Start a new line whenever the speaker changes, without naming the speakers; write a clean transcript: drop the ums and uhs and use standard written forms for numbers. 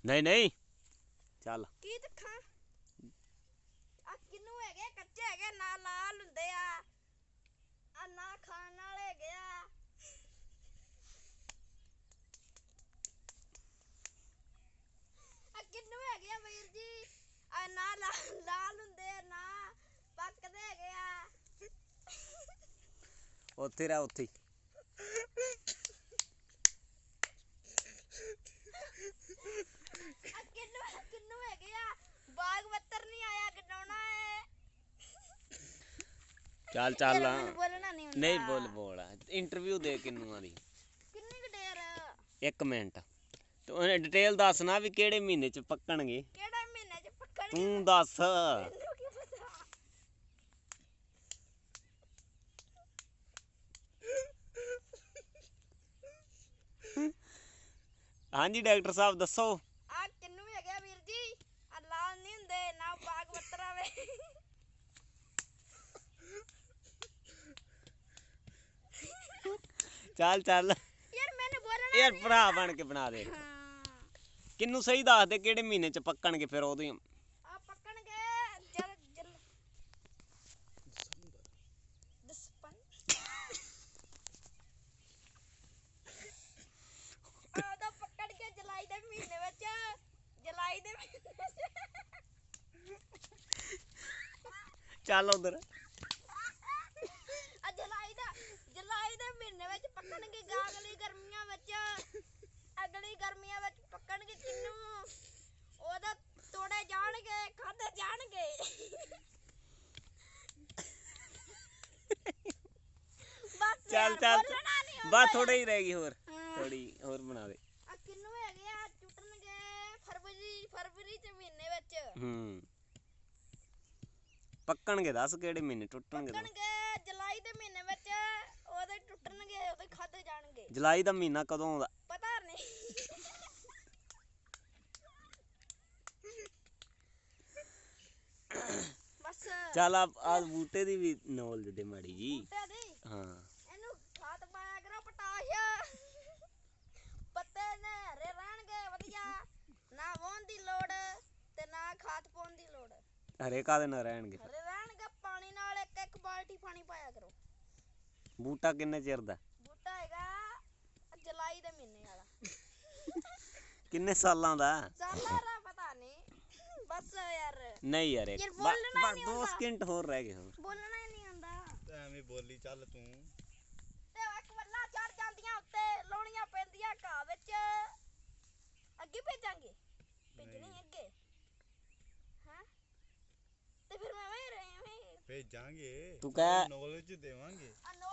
नहीं नहीं चल
की दिखा आ किन्नू है कच्चे है ना लाल हुंदे आ ना खाण वाले है आ किन्नू है वीर जी आ ना लाल हुंदे ना पकदे है
उत्थे रह उत्थे
किन्नू है बाग बत्तर नहीं आया गडाउना है
चल चल
बोलना नहीं
नहीं बोल बोल इंटरव्यू दे किन्नुआं दी
किन्नी क देर
1 मिनट तू डिटेल दस ना भी केड़े महीने च पक्कणगे
केड़ा महीने च पक्कणगे
तू दस हाँ जी डॉक्टर साहब दसो
आ किन्नू है गया वीर जी आ लाल नहीं हुंदे ना बाग बत्तर आवे
चल चल
यार मैंने बोलना
यार भरा बन के बना दे किन्नू सही दस दे केड़े महीने च पक्कणगे फिर ओदी
आ पक्कणगे जल जल दसपन आ तो पक्कण के जुलाई दे महीने विच जुलाई दे
चल उधर
आ जुलाई दे महीने विच पक्कणगे अगली गर्मियां विच पक्कणगे किन्नू ओदा तोड़े जाणगे खादे जाणगे
चल चल बस थोड़ी ही रहेगी और थोड़ी और बना दे
आ किन्नू हैगे आ टुटणगे फरवरी च महीने विच
पक्कणगे दस केड़े महीने टुटणगे
पक्कणगे जुलाई दे महीने विच ओदे टुटणगे ओदे खादे जाणगे
जुलाई दा महीना कदों आउंदा
पता नहीं बस
चल आज बूटे दी भी नॉलेज दे माड़ी जी
बूटे दी
हाँ
एनू खाद पाया करो पटाश पत्ते ने हरे रहणगे वधिया ना वाहण दी लोड़ ते ना खाद पाउण दी लोड़
हरे कादे ना रहणगे
हरे रहणगे पानी नाल एक बाल्टी पानी पाया करो
बूटा किन्ने चिर दा
बूटा हैगा जुलाई दे महीने वाला
किन्ने सालां दा
साला रा पता नहीं बस यार
नहीं यार एक
यार बोलना
बस
नहीं
2
होता
सेकंड होर रह गए होर
बोलना ही नहीं आंदा
ਤੇ ਐਵੇਂ ਬੋਲੀ ਚੱਲ ਤੂੰ
ਤੇ ਇੱਕ ਵੱਲਾ ਚੜ ਜਾਂਦੀਆਂ ਉੱਤੇ ਲਾਉਣੀਆਂ ਪੈਂਦੀਆਂ ਘਾਹ ਵਿੱਚ ਅੱਗੇ ਭੇਜਾਂਗੇ ਭੇਜਣੀ ਅੱਗੇ ਹਾਂ ਤੇ ਫਿਰ ਮੈਂ ਵੇ ਰਹੇ
ਭੇਜਾਂਗੇ
ਤੂੰ ਕਹਿ
ਨੌਲੇਜ ਦੇਵਾਂਗੇ
ਆ